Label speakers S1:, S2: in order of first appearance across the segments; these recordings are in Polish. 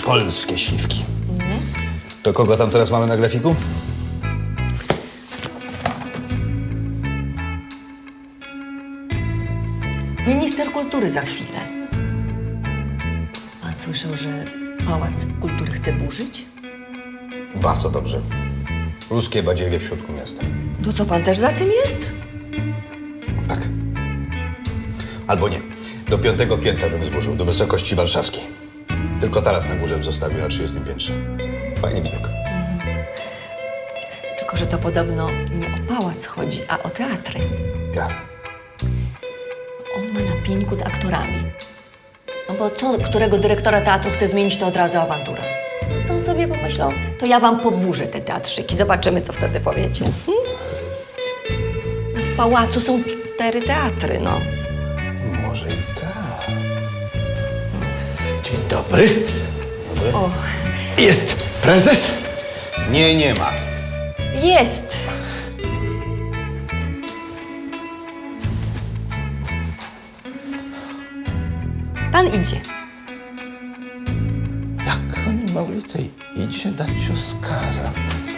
S1: Polskie śliwki. To kogo tam teraz mamy na grafiku?
S2: Minister kultury za chwilę. Pan słyszał, że Pałac Kultury chce burzyć?
S1: Bardzo dobrze. Ruskie badziewie w środku miasta.
S2: To co, pan też za tym jest?
S1: Tak. Albo nie. Do 5. piętra bym zburzył, do wysokości warszawskiej. Tylko taras na górze bym zostawił na 30. piętrze. Fajny widok.
S2: Tylko, że to podobno nie o pałac chodzi, a o teatry.
S1: Ja.
S2: On ma na pieńku z aktorami. No bo co, którego dyrektora teatru chce zmienić, to od razu awantura. No to on sobie pomyślał, to ja wam poburzę te teatrzyki. Zobaczymy, co wtedy powiecie. No w pałacu są 4 teatry, no.
S1: Może i tak.
S3: Dzień dobry.
S2: O,
S3: Jest prezes?
S1: Nie, nie ma.
S2: jest! Pan idzie.
S3: Jak oni mogli tej idzie dać Oskara?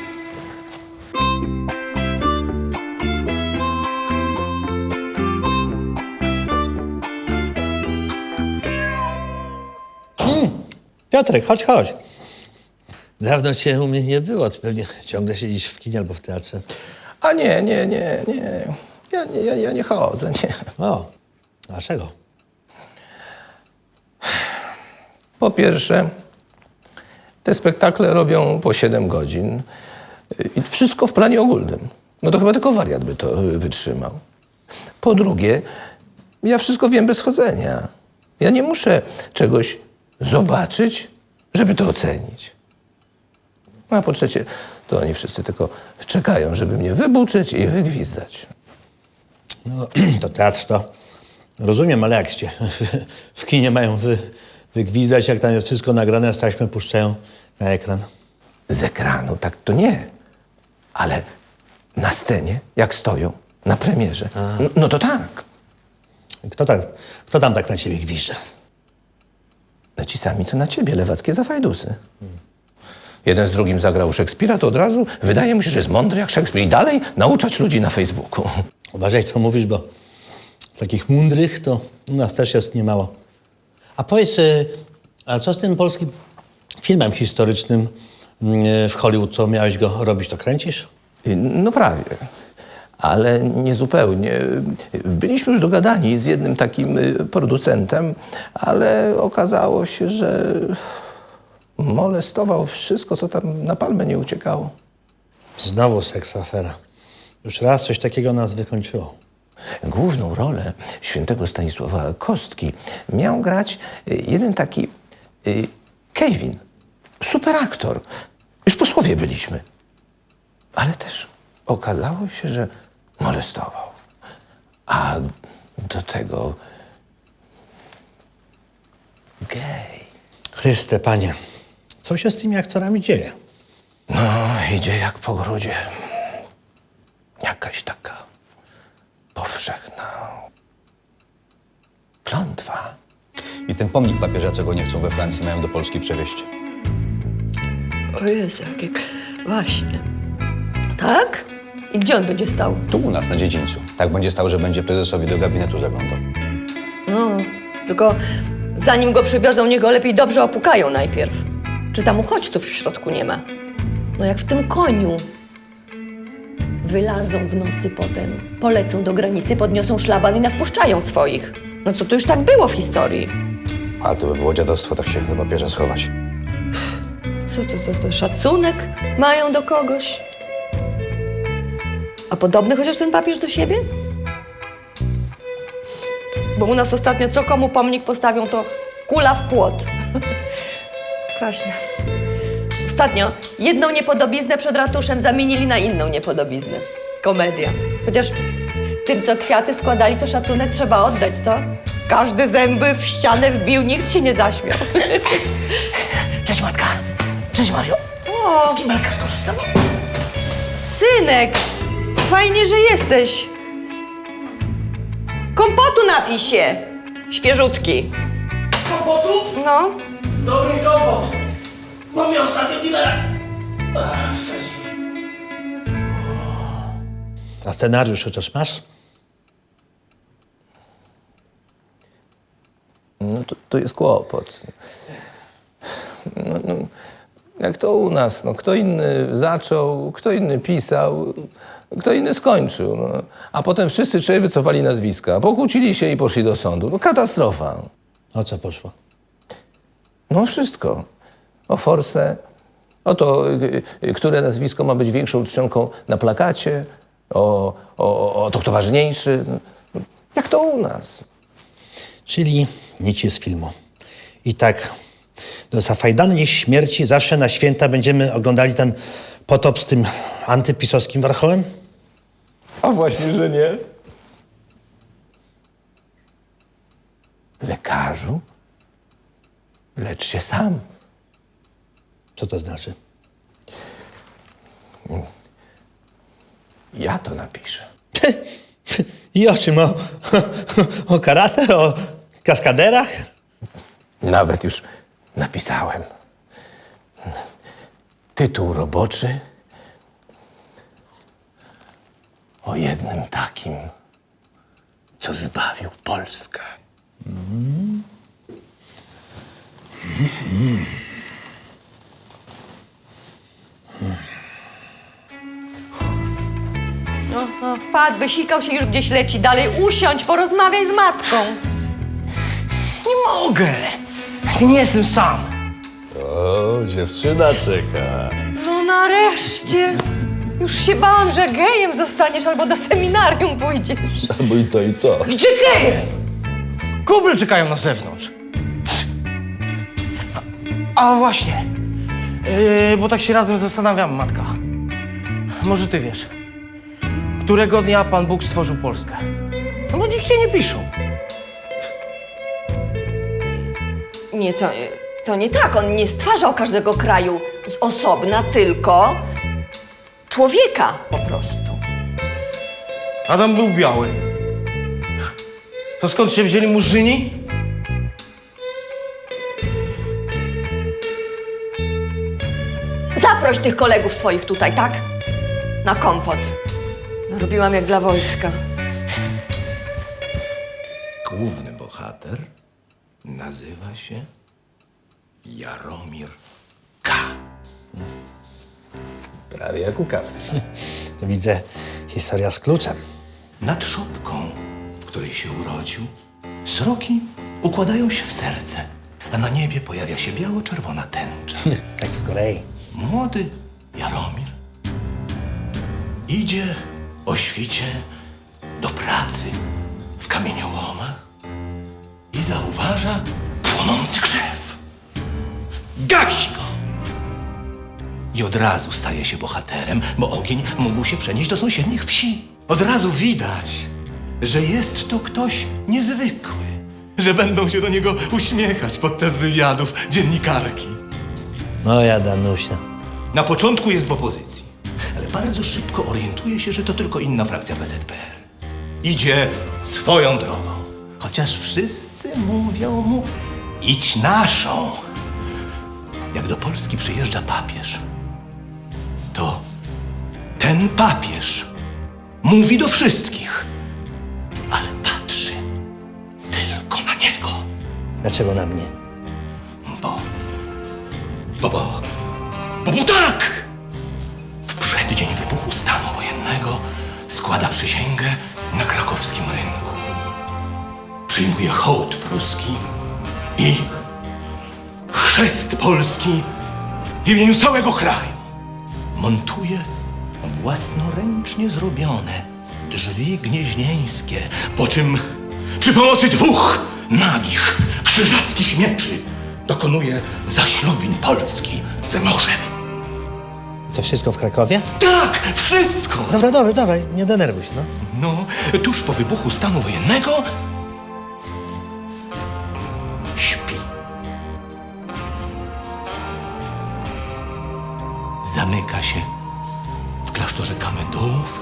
S4: Piotrek, chodź, chodź. Dawno cię u mnie nie było. Ty pewnie ciągle siedzisz w kinie albo w teatrze.
S3: A nie. Ja nie chodzę, nie.
S4: O, dlaczego?
S3: Po pierwsze, te spektakle robią po 7 godzin i wszystko w planie ogólnym. No to chyba tylko wariat by to wytrzymał. Po drugie, ja wszystko wiem bez chodzenia. Ja nie muszę czegoś zobaczyć, żeby to ocenić. A po trzecie, to oni wszyscy tylko czekają, żeby mnie wybuczyć i wygwizdać.
S4: No, to teatr to rozumiem, ale jak cię w kinie mają wygwizdać, jak tam jest wszystko nagrane, a z taśmy puszczają na ekran.
S3: Z ekranu tak to nie, ale na scenie, jak stoją, na premierze, no to tak.
S4: Kto tam tak na ciebie gwizdże?
S3: No ci sami, co na ciebie, lewackie zafajdusy. Jeden z drugim zagrał Szekspira, to od razu wydaje mu się, że jest mądry jak Szekspir i dalej nauczać ludzi na Facebooku.
S4: Uważaj, co mówisz, bo takich mądrych to u nas też jest niemało. A powiedz, a co z tym polskim filmem historycznym w Hollywood? Co miałeś go robić, to kręcisz?
S3: No prawie, ale nie zupełnie. Byliśmy już dogadani z jednym takim producentem, ale okazało się, że molestował wszystko, co tam na palmę nie uciekało.
S4: Znowu seksafera. Już raz coś takiego nas wykończyło.
S3: Główną rolę świętego Stanisława Kostki miał grać jeden taki Kevin, super aktor. Już posłowie byliśmy. Ale też okazało się, że molestował. A do tego gej.
S4: Chryste, Panie, co się z tymi aktorami dzieje?
S3: No, idzie jak po grudzie. Jakaś taka powszechna klątwa.
S1: I ten pomnik papieża, co go nie chcą we Francji, mają do Polski przewieźć.
S2: O Jezu, jakie... Właśnie. Tak? I gdzie on będzie stał?
S1: Tu u nas, na dziedzińcu. Tak będzie stał, że będzie prezesowi do gabinetu zaglądał.
S2: No, tylko zanim go przywiozą, niech go lepiej dobrze opukają najpierw. Czy tam uchodźców w środku nie ma? No jak w tym koniu. Wylazą w nocy potem, polecą do granicy, podniosą szlaban i nawpuszczają swoich. No co, to już tak było w historii.
S1: A to by było dziadostwo, tak się do papieża schować.
S2: Co to szacunek mają do kogoś? A podobny chociaż ten papież do siebie? Bo u nas ostatnio co komu pomnik postawią, to kula w płot. Kwaśne. Ostatnio jedną niepodobiznę przed ratuszem zamienili na inną niepodobiznę. Komedia. Chociaż tym, co kwiaty składali, to szacunek trzeba oddać, co? Każdy zęby w ścianę wbił, nikt się nie zaśmiał.
S5: Cześć Matka. Cześć Mario.
S2: O,
S5: Z kibelka skorzystam.
S2: synek! Fajnie, że jesteś. Kompotu napij się. Świeżutki.
S5: Kompotu?
S2: No.
S5: Dobry kompot. Bo mnie ostatnio dealera wsadzili.
S4: A scenariusz chociaż masz?
S3: No to jest kłopot. Jak to u nas, no, kto inny zaczął, kto inny pisał, kto inny skończył. No. A potem wszyscy trzej wycofali nazwiska, pokłócili się i poszli do sądu. No, katastrofa.
S4: O co poszło?
S3: No wszystko. O forsę, o to, które nazwisko ma być większą czcionką na plakacie, o to, kto ważniejszy. Jak to u nas.
S4: Czyli nic z filmu. I tak do zafajdanej śmierci zawsze na święta będziemy oglądali ten potop z tym antypisowskim warchołem?
S3: A właśnie, że nie. Lekarzu, lecz się sam.
S4: Co to znaczy?
S3: Ja to napiszę.
S4: I o czym? O karate? O kaskaderach?
S3: Nawet już napisałem. Tytuł roboczy o jednym takim, co zbawił Polskę.
S2: Wpadł, wysikał się, już gdzieś leci dalej. Usiądź, porozmawiaj z matką.
S5: Nie mogę. Nie jestem sam.
S1: O, dziewczyna czeka.
S2: No nareszcie. Już się bałam, że gejem zostaniesz albo do seminarium pójdziesz.
S1: Albo i to, i to.
S5: Gdzie geje? Kuble czekają na zewnątrz. A właśnie. Bo tak się razem zastanawiam, matka. Może ty wiesz, którego dnia Pan Bóg stworzył Polskę? No bo nigdzie nie piszą.
S2: Nie, to nie tak. On nie stwarzał każdego kraju z osobna, tylko człowieka po prostu.
S5: Adam był biały. To skąd się wzięli murzyni?
S2: Zaproś tych kolegów swoich tutaj, tak? Na kompot. Robiłam jak dla wojska.
S6: Główny bohater nazywa się Jaromir K.
S3: Prawie jak u kawy.
S4: To widzę historia z kluczem.
S6: Nad szopką, w której się urodził, sroki układają się w serce, a na niebie pojawia się biało-czerwona tęcza.
S4: Jak w Korei.
S6: Młody Jaromir idzie o świcie do pracy w kamieniołomach i zauważa płonący krzew. Gasi go! I od razu staje się bohaterem, bo ogień mógł się przenieść do sąsiednich wsi. Od razu widać, że jest to ktoś niezwykły, że będą się do niego uśmiechać podczas wywiadów dziennikarki.
S4: Moja Danusia.
S6: Na początku jest w opozycji, ale bardzo szybko orientuje się, że to tylko inna frakcja PZPR. Idzie swoją drogą, chociaż wszyscy mówią mu: idź naszą. Jak do Polski przyjeżdża papież, to ten papież mówi do wszystkich, ale patrzy tylko na niego.
S4: Dlaczego na mnie?
S6: Bo tak! W przeddzień wybuchu stanu wojennego składa przysięgę na krakowskim rynku. Przyjmuje hołd pruski i chrzest polski w imieniu całego kraju. Montuje własnoręcznie zrobione drzwi gnieźnieńskie, po czym przy pomocy 2 nagich krzyżackich mieczy dokonuje zaślubin Polski z morzem.
S4: To wszystko w Krakowie?
S6: Tak, wszystko!
S4: Dobra, nie denerwuj się, no.
S6: No, tuż po wybuchu stanu wojennego śpi. Zamyka się w klasztorze Kamendołów,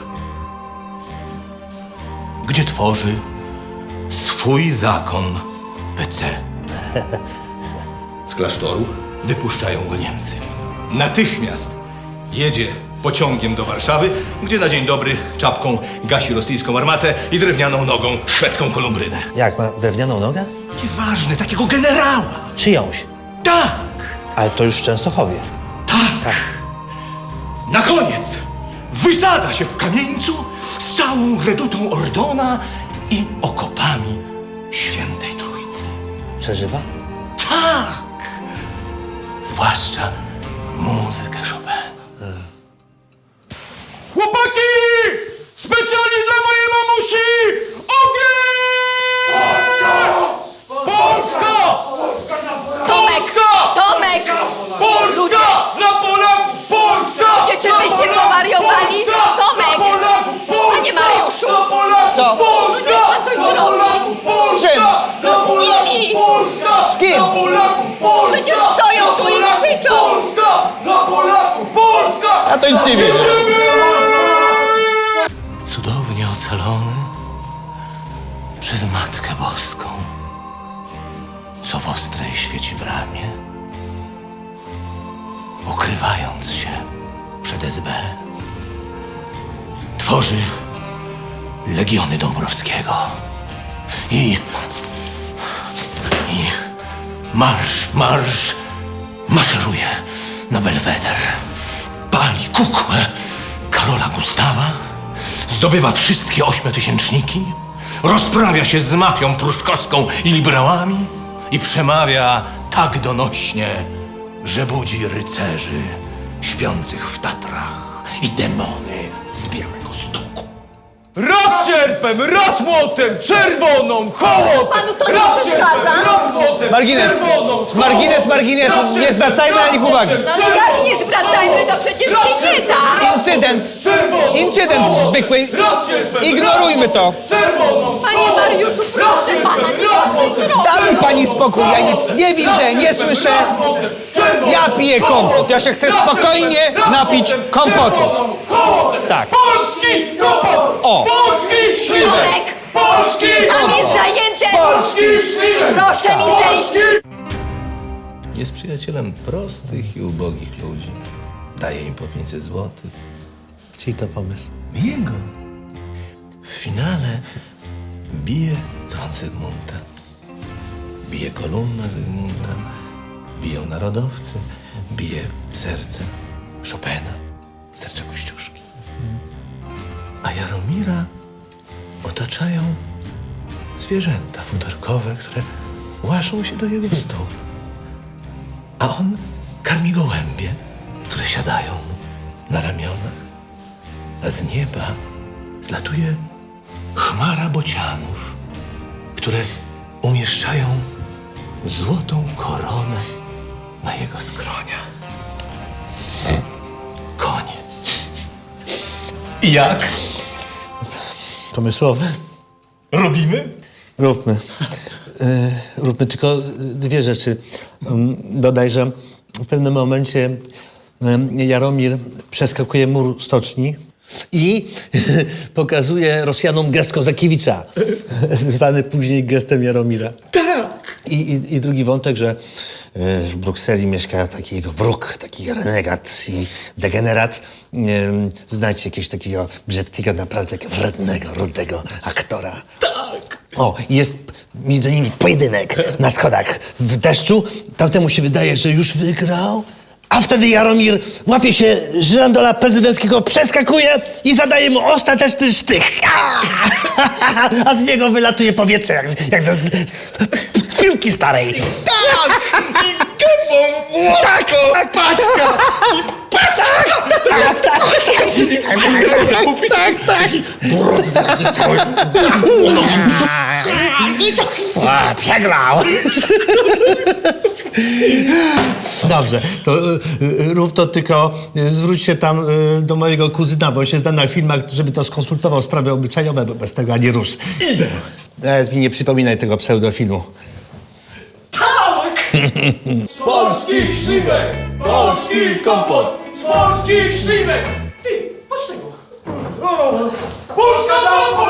S6: gdzie tworzy swój zakon PC. Z klasztoru wypuszczają go Niemcy. Natychmiast jedzie pociągiem do Warszawy, gdzie na dzień dobry czapką gasi rosyjską armatę i drewnianą nogą szwedzką kolumbrynę.
S4: Jak, ma drewnianą nogę?
S6: Nieważne, takiego generała.
S4: Czyjąś.
S6: Tak,
S4: Ale to już w Częstochowie.
S6: tak. Na koniec wysadza się w Kamieńcu z całą redutą Ordona i okopami Świętej Trójcy.
S4: Przeżywa?
S6: Tak! Zwłaszcza muzykę Chopina.
S5: Chłopaki! Specjalnie dla mojej mamusi! Ogień! Polska!
S2: Tomek!
S5: Polska! Dla Polaków! Polska!
S2: Ludzie, czy wyście powariowali? Tomek! Panie Mariuszu!
S5: Co?
S2: No niech pan coś zrobi!
S5: Czym?
S2: No z nimi!
S5: Polska!
S3: Z kim?
S5: Dla Polaków! Polska!
S2: Przecież stoją tu i krzyczą!
S5: Polska! Dla Polaków! Polska!
S3: Ja to nic nie wiem.
S6: Cudownie ocalony przez Matkę Boską, co w ostrej świeci bramie, ukrywając się przed SB, tworzy Legiony Dąbrowskiego i maszeruje na Belweder, pali kukłę Karola Gustawa, zdobywa wszystkie 8-tysięczniki, rozprawia się z mafią pruszkowską i liberałami i przemawia tak donośnie, że budzi rycerzy śpiących w Tatrach i demony z Białego Stoku.
S5: Raz sierpem, raz młotem, czerwoną, hołotę!
S2: Panu to nie przeszkadza?
S5: Raz młotem,
S3: Margines!
S5: czerwoną,
S3: Margines marginesu! Nie zwracajmy na nich uwagi!
S2: No ale jak nie zwracajmy, to przecież się nie da!
S3: Incydent zwykły.
S5: raz sierpem,
S3: Ignorujmy to.
S5: czerwoną,
S2: Panie Mariuszu, proszę pana, niech pan coś zrobi!
S3: Da mi pani spokój, ja nic nie widzę, nie słyszę. Ja piję kompot, ja się chcę spokojnie napić kompotu. Tak.
S5: Polski kompot!
S3: O.
S5: Polski śliwek!
S2: Tomek!
S5: Polski
S2: Pan
S5: kompot!
S2: jest zajęty!
S5: Polski śliwek!
S2: Proszę mi zejść!
S7: Jest przyjacielem prostych i ubogich ludzi. Daje im po 500 złotych.
S4: Czyj to pomysł?
S7: Jego. W finale bije dzwon Zygmunta. Bije kolumna Zygmunta. Biją narodowcy. Bije serce Chopina. Serce Kościuszki. A Jaromira otaczają zwierzęta futerkowe, które łaszą się do jego stóp. A on karmi gołębie, które siadają na ramionach. A z nieba zlatuje chmara bocianów, które umieszczają złotą koronę na jego skroniach. Koniec. I jak?
S4: Pomysłowe?
S6: Robimy?
S4: Róbmy. Róbmy tylko dwie rzeczy. Dodaj, że w pewnym momencie Jaromir przeskakuje mur stoczni i pokazuje Rosjanom gest Kozakiewicza, zwany później gestem Jaromira.
S6: Tak!
S4: I drugi wątek, że w Brukseli mieszka taki jego wróg, taki renegat i degenerat. Znajdźcie jakiegoś takiego brzydkiego, naprawdę wrednego, rudego aktora.
S6: Tak!
S4: O, i jest między nimi pojedynek na schodach w deszczu. Tamtemu się wydaje, że już wygrał, a wtedy Jaromir łapie się żyrandola prezydenckiego, przeskakuje i zadaje mu ostateczny sztych. A z niego wylatuje powietrze, jak z piłki starej.
S6: Tak! I gębą młotko! Tak! Paczka!
S4: Przegrał! Dobrze, to rób to, tylko zwróć się tam do mojego kuzyna, bo się zna na filmach, żeby to skonsultował sprawy obyczajowe, bo bez tego ani rusz.
S6: Idę!
S4: Nawet mi nie przypominaj tego pseudofilmu.
S5: Z polskich śliwek! Polski kompot! Z polskich śliwek! Ty, patrz tego! Polska dla